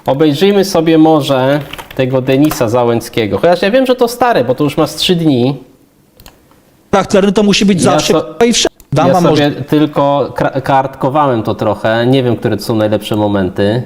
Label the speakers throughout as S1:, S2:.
S1: Obejrzyjmy sobie może tego Denisa Załęckiego. Chociaż ja wiem, że to stare, bo to już ma z 3 dni.
S2: Charakterny to musi być zawsze i wszędzie. Dam
S1: Ja
S2: wam
S1: sobie tylko kartkowałem to trochę. Nie wiem, które to są najlepsze momenty.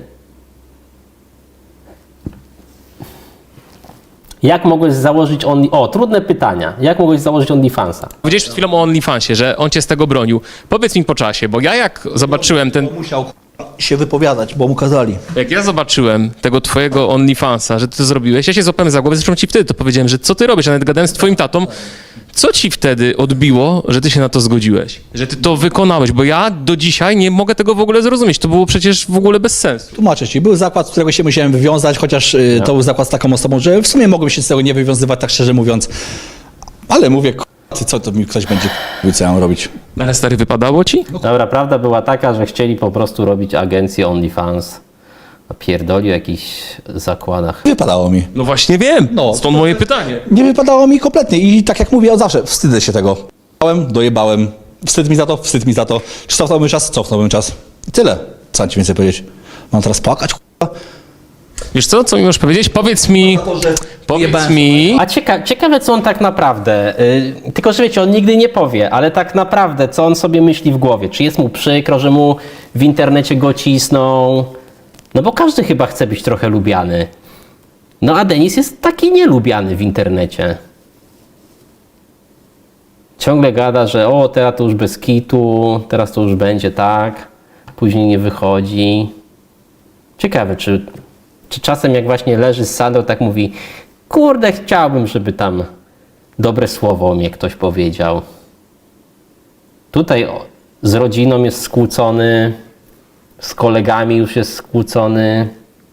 S1: Jak mogłeś założyć trudne pytania. Jak mogłeś założyć OnlyFansa?
S3: Powiedziałeś przed chwilą o OnlyFansie, że on cię z tego bronił. Powiedz mi po czasie, bo ja jak zobaczyłem
S2: Musiał się wypowiadać, bo mu kazali.
S3: Jak ja zobaczyłem tego twojego OnlyFansa, że ty to zrobiłeś, ja się złapałem za głowę, zresztą ci wtedy to powiedziałem, że co ty robisz, ja nawet gadałem z twoim tatą. Co ci wtedy odbiło, że ty się na to zgodziłeś? Że ty to wykonałeś? Bo ja do dzisiaj nie mogę tego w ogóle zrozumieć. To było przecież w ogóle bez sensu.
S2: Tłumaczę ci, był zakład, z którego się musiałem wywiązać, chociaż to był zakład z taką osobą, że w sumie mogłem się z tego nie wywiązywać, tak szczerze mówiąc. Ale mówię, co to mi ktoś będzie co ja mam robić?
S3: Ale stary, wypadało ci?
S1: Dobra, prawda była taka, że chcieli po prostu robić agencję OnlyFans. Pierdoli o jakichś zakładach.
S2: Wypadało mi.
S3: No właśnie wiem,
S2: No.
S3: stąd moje pytanie.
S2: Nie wypadało mi kompletnie i tak jak mówię od zawsze, wstydzę się tego. Dojebałem, wstyd mi za to, wstyd mi za to. Czy cofnąłbym czas? Cofnąłbym czas. I tyle. Co mam ci więcej powiedzieć? Mam teraz płakać, k***a?
S3: Wiesz co mi możesz powiedzieć? Powiedz mi...
S1: A ciekawe, co on tak naprawdę, tylko że wiecie, on nigdy nie powie, ale tak naprawdę, co on sobie myśli w głowie? Czy jest mu przykro, że mu w internecie go cisną? No bo każdy chyba chce być trochę lubiany. No a Denis jest taki nielubiany w internecie. Ciągle gada, że teraz to już bez kitu, teraz to już będzie tak, później nie wychodzi. Ciekawe, czy czasem jak właśnie leży z Sandrą, tak mówi, kurde, chciałbym, żeby tam dobre słowo o mnie ktoś powiedział. Tutaj z rodziną jest skłócony, z kolegami już jest skłócony.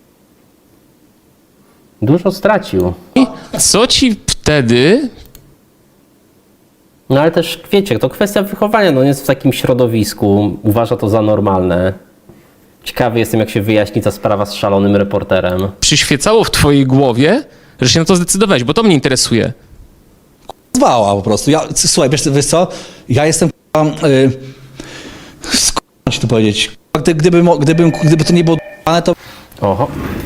S1: Dużo stracił.
S3: Co ci wtedy...
S1: No ale też, wiecie, to kwestia wychowania. No on jest w takim środowisku, uważa to za normalne. Ciekawy jestem, jak się wyjaśni ta sprawa z szalonym reporterem.
S3: przyświecało w twojej głowie, że się na to zdecydowałeś, bo to mnie interesuje.
S2: Zwała po prostu. Słuchaj, wiesz co? Ja jestem skąd ci to powiedzieć? Gdyby to nie było to
S1: Oho.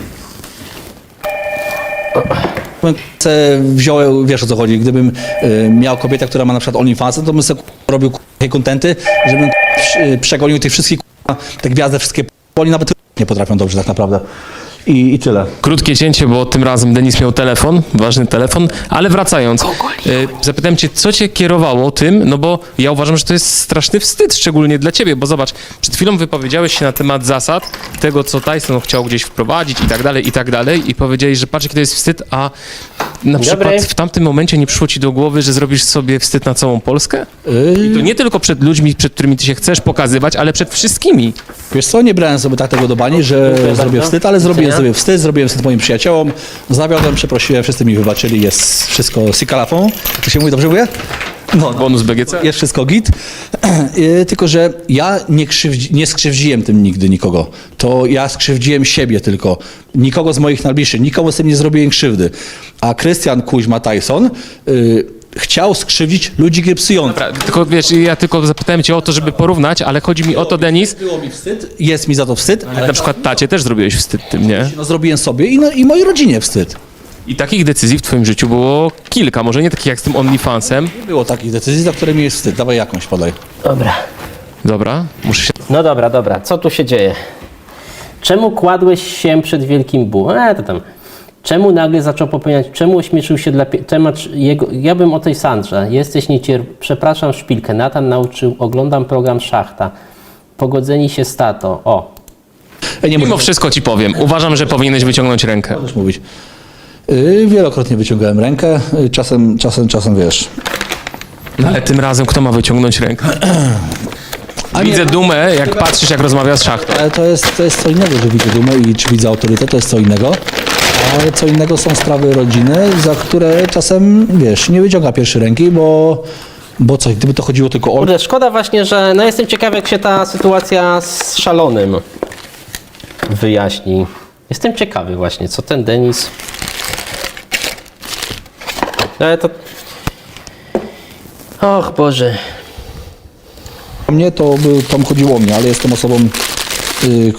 S2: wziąłem, wiesz o co chodzi, gdybym miał kobietę, która ma na przykład OnlyFans, to bym sobie robił takie kontenty, żebym przegonił tych wszystkich te gwiazdy, wszystkie oni nawet nie potrafią dobrze tak naprawdę. I tyle.
S3: Krótkie cięcie, bo tym razem Denis miał telefon, ważny telefon, ale wracając, zapytałem cię, co cię kierowało tym, no bo ja uważam, że to jest straszny wstyd, szczególnie dla ciebie, bo zobacz, przed chwilą wypowiedziałeś się na temat zasad, tego co Tyson chciał gdzieś wprowadzić i tak dalej i powiedziałeś, że patrz jaki to jest wstyd, a na przykład w tamtym momencie nie przyszło ci do głowy, że zrobisz sobie wstyd na całą Polskę? I to nie tylko przed ludźmi, przed którymi ty się chcesz pokazywać, ale przed wszystkimi.
S2: Wiesz co, nie brałem sobie tak tego do bani, że zrobię wstyd, ale zrobiłem wstyd moim przyjaciołom, zawiodłem, przeprosiłem, wszyscy mi wybaczyli, jest wszystko sikalafon, to się mówi, dobrze mówię? No,
S3: Bonus BGC.
S2: jest wszystko git, tylko że ja nie skrzywdziłem tym nigdy nikogo, to ja skrzywdziłem siebie tylko, nikogo z moich najbliższych, nikomu z tym nie zrobiłem krzywdy, a Krystian Kuźma Tyson chciał skrzywdzić ludzi grypsujących.
S3: Tylko wiesz, ja tylko zapytałem cię o to, żeby porównać, ale chodzi mi o to, Denis,
S2: Było mi wstyd, jest mi za to wstyd,
S3: jak na przykład tacie też zrobiłeś wstyd tym, nie?
S2: no, zrobiłem sobie i mojej rodzinie wstyd.
S3: I takich decyzji w twoim życiu było kilka, może nie takich jak z tym OnlyFansem.
S2: Nie było takich decyzji, za które mi jest wstyd. Dawaj jakąś, podaj.
S1: Dobra.
S3: Dobra, muszę się...
S1: No dobra. Co tu się dzieje? Czemu kładłeś się przed wielkim bółem? To tam. Czemu nagle zaczął popełniać? Czemu ośmieszył się temat jego? Ja bym o tej Sandrze. Jesteś Przepraszam, szpilkę. Natan nauczył. Oglądam program Szachta. Pogodzeni się z tato. O.
S3: Mimo wszystko ci powiem, uważam, że powinieneś wyciągnąć rękę.
S2: Możesz mówić. Wielokrotnie wyciągałem rękę. Czasem wiesz.
S3: No ale tym razem kto ma wyciągnąć rękę? Widzę dumę, jak patrzysz, jak rozmawia z Szachtą.
S2: Ale to jest co innego, że widzę dumę i czy widzę autorytet, to jest co innego. Ale co innego są sprawy rodziny, za które czasem, wiesz, nie wyciąga pierwszej ręki, bo co, gdyby to chodziło tylko o...
S1: Kurde, szkoda właśnie, że no jestem ciekawy, jak się ta sytuacja z szalonym wyjaśni. Jestem ciekawy właśnie, co ten Denis... Ale to... Och Boże.
S2: Mnie to chodziło o mnie, ale jestem osobą,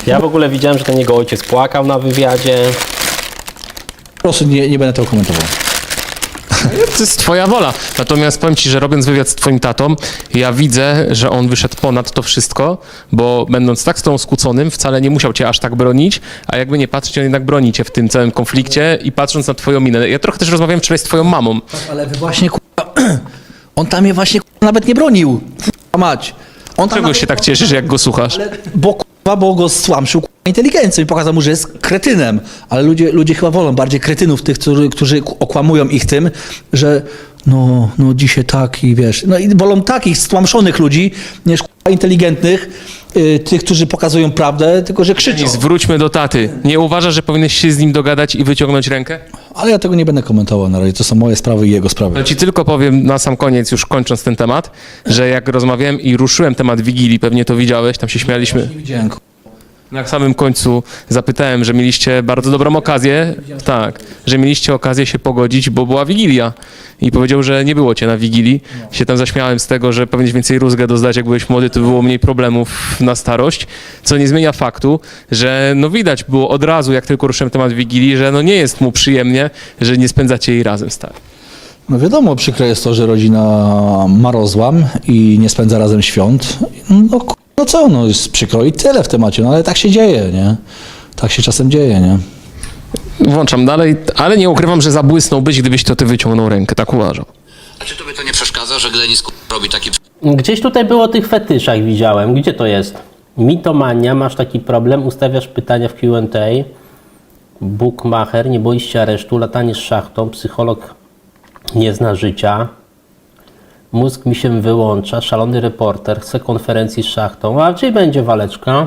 S1: Ja w ogóle widziałem, że ten jego ojciec płakał na wywiadzie.
S2: Po prostu nie będę tego komentował.
S3: To jest twoja wola. Natomiast powiem ci, że robiąc wywiad z twoim tatą, ja widzę, że on wyszedł ponad to wszystko, bo będąc tak z tą skłóconym, wcale nie musiał cię aż tak bronić, a jakby nie patrzeć, on jednak broni cię w tym całym konflikcie i patrząc na twoją minę. Ja trochę też rozmawiałem wczoraj z twoją mamą.
S2: Ale wy właśnie, on tam mnie właśnie nawet nie bronił. Mać. On tam
S3: Czego się tak cieszysz, jak go słuchasz?
S2: bo go stłamszył inteligencją i pokazał mu, że jest kretynem. Ale ludzie chyba wolą bardziej kretynów tych, którzy okłamują ich tym, że no dzisiaj tak i wiesz. No i wolą takich stłamszonych ludzi, niż inteligentnych, tych, którzy pokazują prawdę, tylko że krzyczą.
S3: I zwróćmy do taty. Nie uważasz, że powinieneś się z nim dogadać i wyciągnąć rękę?
S2: Ale ja tego nie będę komentował na razie. To są moje sprawy i jego sprawy.
S3: No ci tylko powiem na sam koniec, już kończąc ten temat, że jak rozmawiałem i ruszyłem temat Wigilii, pewnie to widziałeś, tam się śmialiśmy.
S2: Nie widziałem.
S3: Na samym końcu zapytałem, że mieliście bardzo dobrą okazję, tak, że mieliście okazję się pogodzić, bo była Wigilia. I powiedział, że nie było cię na Wigilii. Się tam zaśmiałem z tego, że powinieneś więcej rózgę dozdać, jak byłeś młody, to było mniej problemów na starość, co nie zmienia faktu, że no widać było od razu, jak tylko ruszyłem temat Wigilii, że no nie jest mu przyjemnie, że nie spędzacie jej razem, stary.
S2: No wiadomo, przykre jest to, że rodzina ma rozłam i nie spędza razem świąt. No co, no jest przykro i tyle w temacie, no ale tak się dzieje, nie? Tak się czasem dzieje, nie?
S3: Włączam dalej, ale nie ukrywam, że zabłysnąłbyś, gdybyś to ty wyciągnął rękę, tak uważam.
S4: A czy tobie to nie przeszkadza, że Glenis robi taki...
S1: Gdzieś tutaj było o tych fetyszach, widziałem. Gdzie to jest? Mitomania, masz taki problem, ustawiasz pytania w Q&A. Bookmacher, nie boisz się aresztu, latanie z szachtą, psycholog nie zna życia. Mózg mi się wyłącza, szalony reporter, chcę konferencji z szachtą. A gdzie będzie waleczka?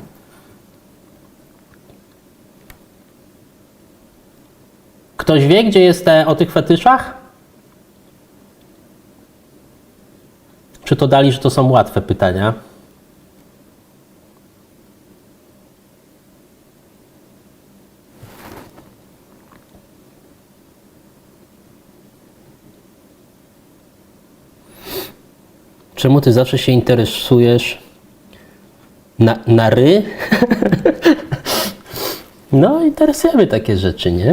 S1: Ktoś wie, gdzie jest o tych fetyszach? Czy to dali, że to są łatwe pytania? Czemu ty zawsze się interesujesz na ry? No, interesujemy takie rzeczy, nie?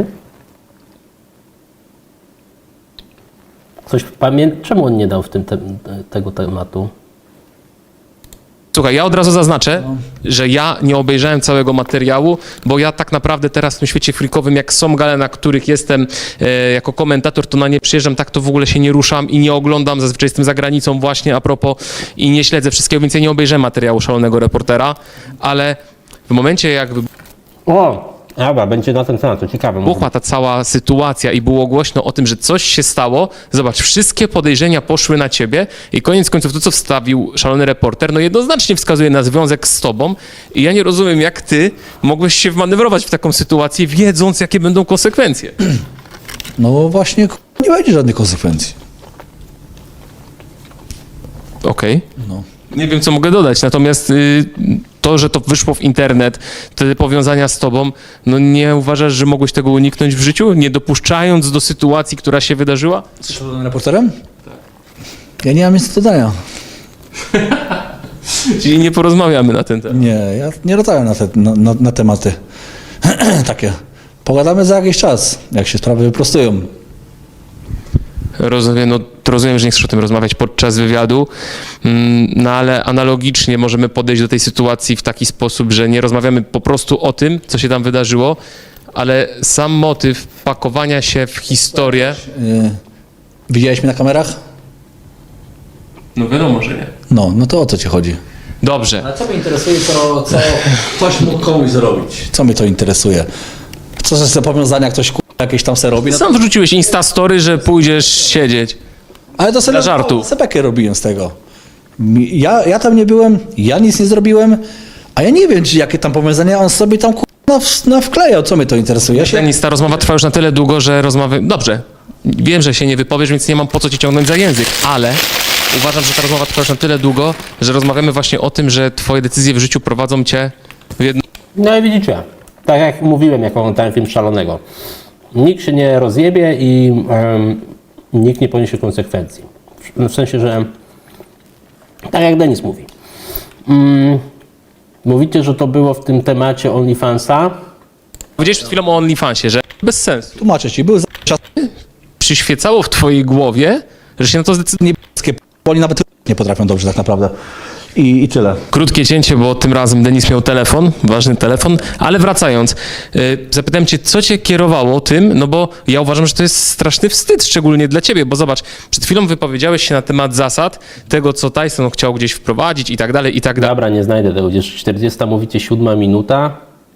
S1: Coś czemu on nie dał w tym tego tematu?
S3: Słuchaj, ja od razu zaznaczę, że ja nie obejrzałem całego materiału, bo ja tak naprawdę teraz w tym świecie freakowym, jak są gale, na których jestem jako komentator, to na nie przyjeżdżam, tak to w ogóle się nie ruszam i nie oglądam, zazwyczaj jestem za granicą właśnie a propos i nie śledzę wszystkiego, więc ja nie obejrzałem materiału Szalonego Reportera, ale w momencie jakby
S1: O! Dobra, będzie na ten temat, to ciekawe.
S3: buchła ta cała sytuacja i było głośno o tym, że coś się stało, zobacz, wszystkie podejrzenia poszły na ciebie i koniec końców to, co wstawił Szalony Reporter, no jednoznacznie wskazuje na związek z tobą i ja nie rozumiem, jak ty mogłeś się wmanewrować w taką sytuację, wiedząc, jakie będą konsekwencje.
S2: No właśnie, nie będzie żadnych konsekwencji.
S3: Okej.
S2: No.
S3: Nie wiem, co mogę dodać, natomiast to, że to wyszło w internet, te powiązania z tobą, no nie uważasz, że mogłeś tego uniknąć w życiu, nie dopuszczając do sytuacji, która się wydarzyła?
S2: Z Szalonym Reporterem? Tak. Ja nie mam nic do dodania.
S3: Czyli nie porozmawiamy na ten temat.
S2: Nie, ja nie rozmawiam na tematy takie. Pogadamy za jakiś czas, jak się sprawy wyprostują.
S3: Rozumiem, no, rozumiem, że nie chcesz o tym rozmawiać podczas wywiadu, no ale analogicznie możemy podejść do tej sytuacji w taki sposób, że nie rozmawiamy po prostu o tym, co się tam wydarzyło, ale sam motyw pakowania się w historię...
S2: Widziałeś mnie na kamerach?
S3: No wiadomo, że nie.
S2: No to o co ci chodzi?
S3: Dobrze.
S2: Ale co mnie interesuje, to co ktoś mógł komuś zrobić? Co mnie to interesuje? Co za powiązania ktoś jakieś tam se robi? No to,
S3: Sam wrzuciłeś Instastory, że pójdziesz siedzieć.
S2: ale to sobie
S3: dla żartu.
S2: sebekę robiłem z tego. Ja tam nie byłem, ja nic nie zrobiłem, a ja nie wiem, czy jakie tam powiązania on sobie tam wklejał. Co mnie to interesuje? Ja się...
S3: Denis, ta rozmowa trwa już na tyle długo, że Dobrze, wiem, że się nie wypowiesz, więc nie mam po co ci ciągnąć za język, ale uważam, że ta rozmowa trwa już na tyle długo, że rozmawiamy właśnie o tym, że twoje decyzje w życiu prowadzą cię w jedno...
S1: No i widzicie, tak jak mówiłem, jak oglądałem film Szalonego. Nikt się nie rozjebie i nikt nie poniesie konsekwencji. W sensie, że tak jak Denis mówi. Mówicie, że to było w tym temacie OnlyFansa?
S3: Powiedziałeś przed chwilą o OnlyFansie, że bez sensu.
S2: Tłumaczę ci, były czasy
S3: Przyświecało w twojej głowie, że się na to zdecyduje.
S2: niebieskie, bo oni nawet nie potrafią dobrze tak naprawdę. I tyle.
S3: Krótkie cięcie, bo tym razem Denis miał telefon, ważny telefon, ale wracając, zapytałem cię, co cię kierowało tym, no bo ja uważam, że to jest straszny wstyd, szczególnie dla ciebie, bo zobacz, przed chwilą wypowiedziałeś się na temat zasad, tego, co Tyson chciał gdzieś wprowadzić i tak dalej, i tak dalej.
S1: Dobra, nie znajdę tego. Gdzieś 40, mówicie 7 minuta.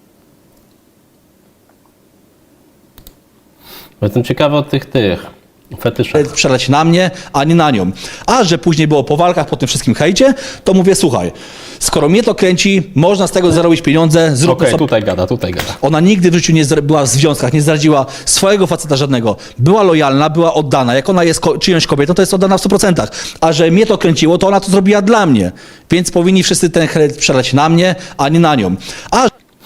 S1: Jestem ciekawy od tych fetyszach.
S2: Przeleć na mnie, a nie na nią. A że później było po walkach, po tym wszystkim hejcie, to mówię, słuchaj, skoro mnie to kręci, można z tego zarobić pieniądze, zróbmy
S1: Okej,
S2: sobie...
S1: tutaj gada, tutaj gada.
S2: Ona nigdy w życiu nie była w związkach, nie zdradziła swojego faceta żadnego. Była lojalna, była oddana. Jak ona jest czyjąś kobietą, to jest oddana w 100%. A że mnie to kręciło, to ona to zrobiła dla mnie. Więc powinni wszyscy ten hejt przeleć na mnie, a nie na nią. A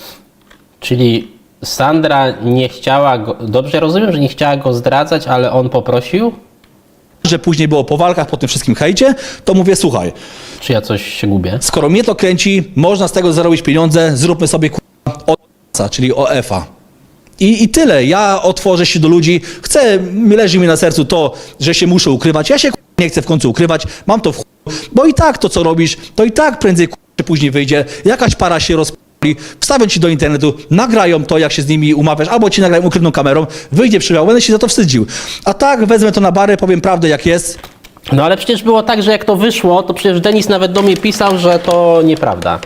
S1: Czyli Sandra nie chciała go... Dobrze rozumiem, że nie chciała go zdradzać, ale on poprosił?
S2: że później było po walkach, po tym wszystkim hejcie, to mówię, słuchaj,
S1: Czy ja coś się gubię?
S2: skoro mnie to kręci, można z tego zarobić pieniądze, zróbmy sobie OF-a, czyli OF-a. I tyle. Ja otworzę się do ludzi. Leży mi na sercu to, że się muszę ukrywać. Ja się nie chcę w końcu ukrywać. Mam to w bo i tak to, co robisz, to i tak prędzej czy później wyjdzie. Jakaś para się rozpali, wstawią ci do internetu, nagrają to, jak się z nimi umawiasz, albo ci nagrają ukrytą kamerą, wyjdzie przyjał, będę się za to wstydził. A tak, wezmę to na barę, powiem prawdę, jak jest.
S1: No ale przecież było tak, że jak to wyszło, to przecież Denis nawet do mnie pisał, że to nieprawda.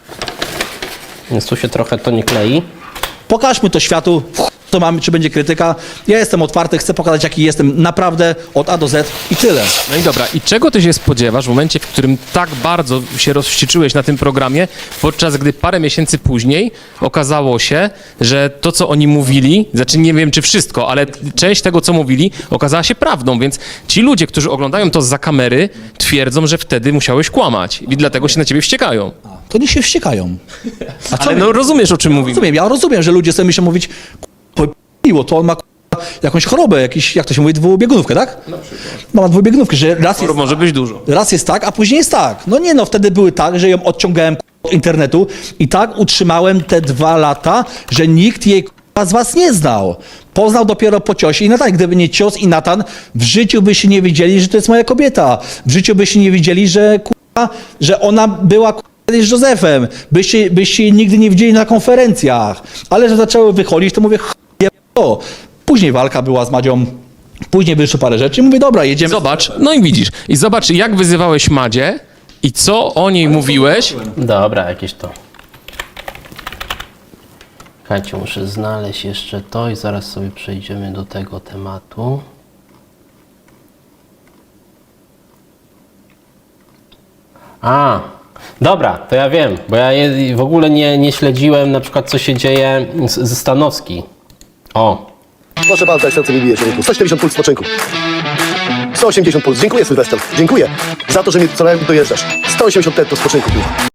S1: Więc tu się trochę to nie klei.
S2: Pokażmy to światu, co mamy, czy będzie krytyka. Ja jestem otwarty, chcę pokazać, jaki jestem naprawdę od A do Z i tyle.
S3: No i dobra, i czego ty się spodziewasz w momencie, w którym tak bardzo się rozwścieczyłeś na tym programie, podczas gdy parę miesięcy później okazało się, że to, co oni mówili, znaczy nie wiem, czy wszystko, ale część tego, co mówili, okazała się prawdą, więc ci ludzie, którzy oglądają to zza kamery, twierdzą, że wtedy musiałeś kłamać i dlatego się na ciebie wściekają.
S2: To nie się wściekają. A co
S3: Ale no rozumiesz, o czym mówimy.
S2: Ja rozumiem, że ludzie sobie myślą mówić, miło, to on ma jakąś chorobę, jak to się mówi, dwubiegunówkę, tak? Na przykład. Ma dwubiegunówkę, że
S3: Może być dużo.
S2: raz jest tak, a później jest tak. No nie no, wtedy były tak, że ją odciągałem od internetu i tak utrzymałem te 2 lata, że nikt jej z was nie znał. Poznał dopiero po ciosie i Natan. Gdyby nie cios i Natan, w życiu byście nie wiedzieli, że to jest moja kobieta. W życiu byście nie wiedzieli, że ona była kiedyś z Józefem. Byście jej nigdy nie widzieli na konferencjach. Ale że zaczęły wychodzić, to mówię, o. Później walka była z Madzią, później wyszło parę rzeczy i mówię, dobra, jedziemy.
S3: Zobacz, no i widzisz. I zobacz, jak wyzywałeś Madzie i co o niej mówiłeś.
S1: Dobra, jakieś to. Słuchajcie, muszę znaleźć jeszcze to i zaraz sobie przejdziemy do tego tematu. A, dobra, to ja wiem, bo ja w ogóle nie śledziłem na przykład, co się dzieje ze Stanowski. O,
S5: Proszę pana, serce mi bije, człowieku. 170 puls spoczynku. 180 puls. Dziękuję, Sylwester. Dziękuję za to, że mnie co najmniej dojeżdżasz. 180 tetto spoczynku.